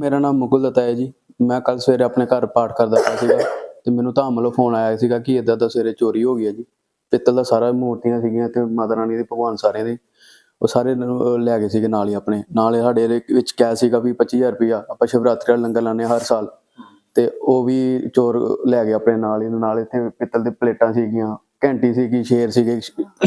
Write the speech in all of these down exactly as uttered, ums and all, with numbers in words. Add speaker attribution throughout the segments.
Speaker 1: मेरा नाम मुकुल दत्ता है जी। मैं कल सवेरे अपने घर पाठ करदा पिया सीगा ते मैनूं धाम वालों फोन आया सीगा कि इदां दा सवेरे चोरी हो गई है जी। पित्तल दा सारा मूर्तियां सीगियां ते माता रानी दे भगवान सारे दे ਉਹ ਸਾਰੇ ਲੈ ਗਏ ਸੀਗੇ ਨਾਲ ਹੀ ਆਪਣੇ ਨਾਲ ਸਾਡੇ ਵਿੱਚ ਕੈਸ਼ ਸੀਗਾ ਵੀ ਪੱਚੀ ਹਜ਼ਾਰ ਰੁਪਇਆ। ਆਪਾਂ ਸ਼ਿਵਰਾਤਰੀ ਦਾ ਲੰਗਰ ਲਾਉਂਦੇ ਹਰ ਸਾਲ ਤੇ ਉਹ ਵੀ ਚੋਰ ਲੈ ਗਏ ਆਪਣੇ ਨਾਲ ਹੀ। ਨਾਲ ਇੱਥੇ ਪਿੱਤਲ ਦੇ ਪਲੇਟਾਂ ਸੀਗੀਆਂ, ਘੰਟੀ ਸੀਗੀ, ਸ਼ੇਰ ਸੀਗੇ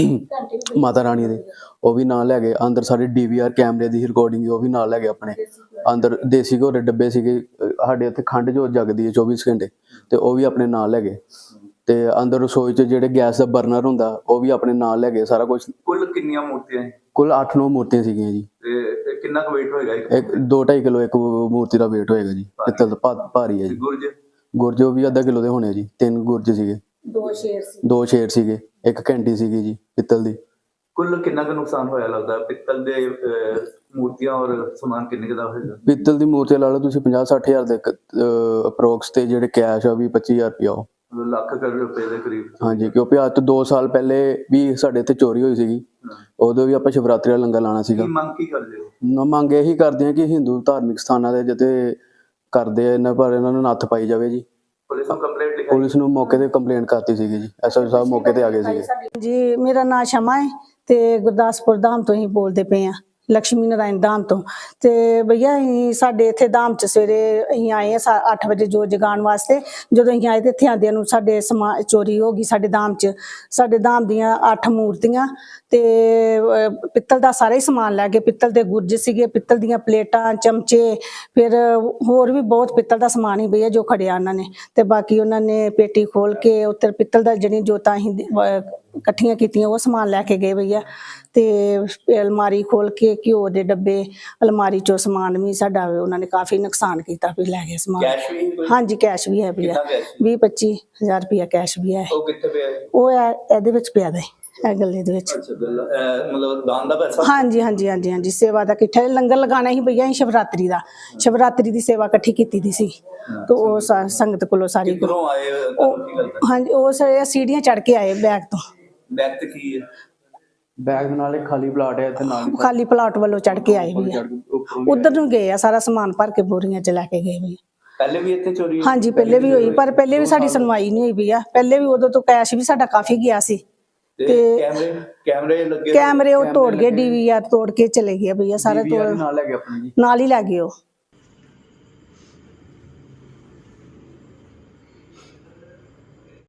Speaker 1: ਮਾਤਾ ਰਾਣੀ ਦੇ, ਉਹ ਵੀ ਨਾਲ ਲੈ ਗਏ। ਅੰਦਰ ਸਾਡੇ ਡੀ ਵੀ ਆਰ ਕੈਮਰੇ ਦੀ ਰਿਕਾਰਡਿੰਗ ਉਹ ਵੀ ਨਾਲ ਲੈ ਗਏ ਆਪਣੇ। ਅੰਦਰ ਦੇਸੀ ਘੋੜੇ ਦੇ ਡੱਬੇ ਸੀਗੇ। ਸਾਡੇ ਇੱਥੇ ਖੰਡ ਜੋਤ ਜਗਦੀ ਹੈ ਚੌਵੀ ਘੰਟੇ ਤੇ ਉਹ ਵੀ ਆਪਣੇ ਨਾਲ ਲੈ ਗਏ। ਤੇ ਅੰਦਰ ਰਸੋਈ 'ਚ ਜਿਹੜੇ ਗੈਸ ਦਾ ਬਰਨਰ ਹੁੰਦਾ ਉਹ ਵੀ ਆਪਣੇ ਨਾਲ ਲੈ ਗਏ ਸਾਰਾ ਕੁਝ।
Speaker 2: ਕੁੱਲ ਕਿੰਨੀਆਂ ਮੂਰਤੀਆਂ?
Speaker 1: ਕੁੱਲ ਅੱਠ ਨੌ ਮੂਰਤੀਆਂ ਸੀਗੀਆਂ ਜੀ।
Speaker 2: ਤੇ ਕਿੰਨਾ ਕੁ weight ਹੋਏਗਾ?
Speaker 1: ਇੱਕ ਦੋ ਢਾਈ ਕਿਲੋ ਇੱਕ ਮੂਰਤੀ ਦਾ weight ਹੋਏਗਾ ਜੀ। ਪਿੱਤਲ ਦਾ ਭਾਰੀ ਹੈ ਜੀ।
Speaker 2: ਗੁਰਜ
Speaker 1: ਗੁਰਜ ਉਹ ਵੀ ਅੱਧਾ ਕਿਲੋ ਦੇ ਹੋਣੇ ਜੀ। ਤਿੰਨ ਗੁਰਜ ਸੀਗੇ,
Speaker 3: ਦੋ ਸ਼ੇਰ ਸੀ
Speaker 1: ਦੋ ਸ਼ੇਰ ਸੀਗੇ, ਇੱਕ ਘੰਟੀ ਸੀਗੀ ਜੀ ਪਿੱਤਲ ਦੀ।
Speaker 2: ਕੁੱਲ ਕਿੰਨਾ ਕੁ ਨੁਕਸਾਨ ਹੋਇਆ ਲੱਗਦਾ ਪਿੱਤਲ ਦੇ ਮੂਰਤੀਆਂ ਔਰ ਸਮਾਨ ਕਿੰਨੇ ਦਾ ਹੋਏਗਾ?
Speaker 1: ਪਿੱਤਲ ਦੀ ਮੂਰਤੀ ਲਾ ਲਓ ਤੁਸੀਂ ਪੰਜਾਹ ਸੱਠ ਹਜ਼ਾਰ ਦੇ ਅਪਰੋਕਸ ਤੇ ਜਿਹੜੇ ਕੈਸ਼ ਆ ਵੀ ਪੱਚੀ ਹਜ਼ਾਰ ਰੁਪਇਆ ਉਹ
Speaker 2: ਲੱਖ ਕਰੋੜ ਰੁਪਏ ਦੇ ਕਰੀਬ।
Speaker 1: ਹਾਂਜੀ, ਕਿਉਂਕਿ ਅੱਜ ਤੋਂ ਦੋ ਸਾਲ ਪਹਿਲੇ ਵੀ ਸਾਡੇ ਇੱਥੇ ਚੋਰੀ ਹੋਈ ਸੀਗੀ। ਉਦੋਂ ਵੀ ਆਪਾਂ ਸ਼ਿਵਰਾਤਰੀ ਦਾ ਲੰਗਰ ਲਾਉਣਾ ਸੀਗਾ।
Speaker 2: ਮੰਗ ਕੀ ਕਰਦੇ ਹੋ?
Speaker 1: ਮੰਗ ਇਹੀ ਕਰਦੇ ਆ ਕਿ ਹਿੰਦੂ ਧਾਰਮਿਕ ਸਥਾਨਾਂ ਦੇ ਜਿੱਥੇ ਕਰਦੇ ਆ ਇਹਨਾਂ ਪਰ ਇਹਨਾਂ ਨੂੰ ਨੱਥ ਪਾਈ ਜਾਵੇ ਜੀ।
Speaker 2: ਪੁਲਿਸ ਨੂੰ ਕੰਪਲੇਂਟ ਲਿਖਾਈ?
Speaker 1: ਪੁਲਿਸ ਨੂੰ ਮੌਕੇ ਤੇ ਕੰਪਲੇਂਟ ਕਰਤੀ ਸੀਗੀ ਜੀ। ਐਸ ਐਚ ਓ ਸਾਹਿਬ ਮੌਕੇ ਤੇ ਆ ਗਏ ਸੀਗੇ
Speaker 3: ਜੀ। ਮੇਰਾ ਨਾਂ ਸ਼ਮਾ ਹੈ ਤੇ ਗੁਰਦਾਸਪੁਰ ਧਾਮ ਤੋਂ ਹੀ ਬੋਲਦੇ ਪਏ ਆ, ਲక్ష్ਮੀ ਨਾਰਾਇਣ ਧਾਮ ਤੋਂ। ਤੇ ਭਈਆ ਅਸੀਂ ਸਾਡੇ ਇੱਥੇ ਧਾਮ 'ਚ ਸਵੇਰੇ ਅਸੀਂ ਆਏ ਆ ਅੱਠ ਵਜੇ ਜੋਤ ਜਗਾਉਣ ਵਾਸਤੇ। ਜਦੋਂ ਅਸੀਂ ਆਏ ਤੇ ਇੱਥੇ ਆਉਂਦਿਆਂ ਨੂੰ ਸਾਡੇ ਸਮਾ ਚੋਰੀ ਹੋ ਗਈ ਸਾਡੇ ਧਾਮ 'ਚ। ਸਾਡੇ ਧਾਮ ਦੀਆਂ ਅੱਠ ਮੂਰਤੀਆਂ ਤੇ ਪਿੱਤਲ ਦਾ ਸਾਰਾ ਹੀ ਸਮਾਨ ਲੈ ਗਏ। ਪਿੱਤਲ ਦੇ ਗੁਰਜ ਸੀਗੇ, ਪਿੱਤਲ ਦੀਆਂ ਪਲੇਟਾਂ, ਚਮਚੇ, ਫਿਰ ਹੋਰ ਵੀ ਬਹੁਤ ਪਿੱਤਲ ਦਾ ਸਮਾਨ ਹੀ ਭਈਆ ਜੋ ਖੜਿਆ ਉਹਨਾਂ ਨੇ। ਤੇ ਬਾਕੀ ਉਹਨਾਂ ਨੇ ਪੇਟੀ ਖੋਲ ਕੇ ਉੱਤੇ ਪਿੱਤਲ ਦਾ ਜਿਹੜੀ ਜੋਤਾਂ ਅਸੀਂ ਇਕੱਠੀਆਂ ਕੀਤੀਆਂ ਉਹ ਸਮਾਨ ਲੈ ਕੇ ਗਏ ਭਈਆ। ਤੇ ਅਲਮਾਰੀ ਖੋਲ ਕੇ ਘਿਓ ਦੇ ਡੱਬੇ, ਅਲਮਾਰੀ 'ਚੋਂ ਸਮਾਨ ਵੀ ਸਾਡਾ ਉਹਨਾਂ ਨੇ ਕਾਫੀ ਨੁਕਸਾਨ ਕੀਤਾ ਵੀ ਲੈ ਗਏ ਸਮਾਨ।
Speaker 2: ਕੈਸ਼ ਵੀ?
Speaker 3: ਹਾਂਜੀ, ਕੈਸ਼ ਵੀ ਹੈ ਭਈਆ। ਵੀਹ ਪੱਚੀ ਹਜ਼ਾਰ ਰੁਪਇਆ ਕੈਸ਼ ਵੀ ਹੈ।
Speaker 2: ਉਹ ਕਿੱਥੇ ਪਿਆ?
Speaker 3: ਉਹ ਇਹਦੇ ਵਿੱਚ ਪਿਆ ਦੇ ਇਹ ਗੱਲੇ ਦੇ ਵਿੱਚ।
Speaker 2: ਅੱਛਾ, ਮਤਲਬ ਦਾਨ ਦਾ ਪੈਸਾ?
Speaker 3: ਹਾਂਜੀ ਹਾਂਜੀ ਹਾਂਜੀ ਹਾਂਜੀ ਸੇਵਾ ਦਾ ਇਕੱਠਾ ਲੰਗਰ ਲਗਾਉਣਾ ਸੀ ਭਈਆ। ਅਸੀਂ ਸ਼ਿਵਰਾਤਰੀ ਦਾ ਸ਼ਿਵਰਾਤਰੀ ਦੀ ਸੇਵਾ ਇਕੱਠੀ ਕੀਤੀ ਦੀ ਸੀ ਤੇ ਉਹ ਸੰਗਤ ਕੋਲੋਂ ਸਾਰੀ।
Speaker 2: ਕਿੱਧਰੋਂ ਆਏ?
Speaker 3: ਹਾਂਜੀ, ਉਹ ਸੀੜੀਆਂ ਚੜ੍ਹ ਕੇ ਆਏ ਬੈਗ ਤੋਂ।
Speaker 2: ਬੈਗ ਤੇ ਕੀ ਹੈ?
Speaker 1: ਬੈਗ ਦੇ ਨਾਲ ਇੱਕ ਖਾਲੀ ਪਲਾਟ ਹੈ ਇੱਥੇ ਨਾਲ।
Speaker 3: ਖਾਲੀ ਪਲਾਟ ਵੱਲੋਂ ਚੜ੍ਹ ਕੇ ਆਏ ਵੀ ਉਧਰ ਨੂੰ ਗਏ ਆ। ਸਾਰਾ ਸਮਾਨ ਭਰ ਕੇ ਬੋਰੀਆਂ 'ਚ ਲੈ ਕੇ ਗਏ ਵੀ।
Speaker 2: ਪਹਿਲੇ ਵੀ ਇੱਥੇ ਚੋਰੀ?
Speaker 3: ਹਾਂਜੀ, ਪਹਿਲੇ ਵੀ ਹੋਈ ਪਰ ਪਹਿਲੇ ਵੀ ਸਾਡੀ ਸੁਣਵਾਈ ਨਹੀਂ ਹੋਈ ਵੀ ਆ। ਪਹਿਲੇ ਵੀ ਉਦੋਂ ਤੋਂ ਕੈਸ਼ ਵੀ ਸਾਡਾ ਕਾਫੀ ਗਿਆ ਸੀ। ਤੇ
Speaker 2: ਕੈਮਰੇ ਕੈਮਰੇ ਲੱਗੇ?
Speaker 3: ਕੈਮਰੇ ਉਹ ਤੋੜ ਗਏ, ਡੀ ਵੀ ਆਰ ਤੋੜ ਕੇ ਚਲੇ ਗਏ ਭਈਆ। ਸਾਰਾ ਤੋੜ
Speaker 1: ਨਾਲ ਲੈ ਗਏ ਆਪਣੇ ਜੀ।
Speaker 3: ਨਾਲ ਹੀ ਲੈ ਗਏ ਉਹ।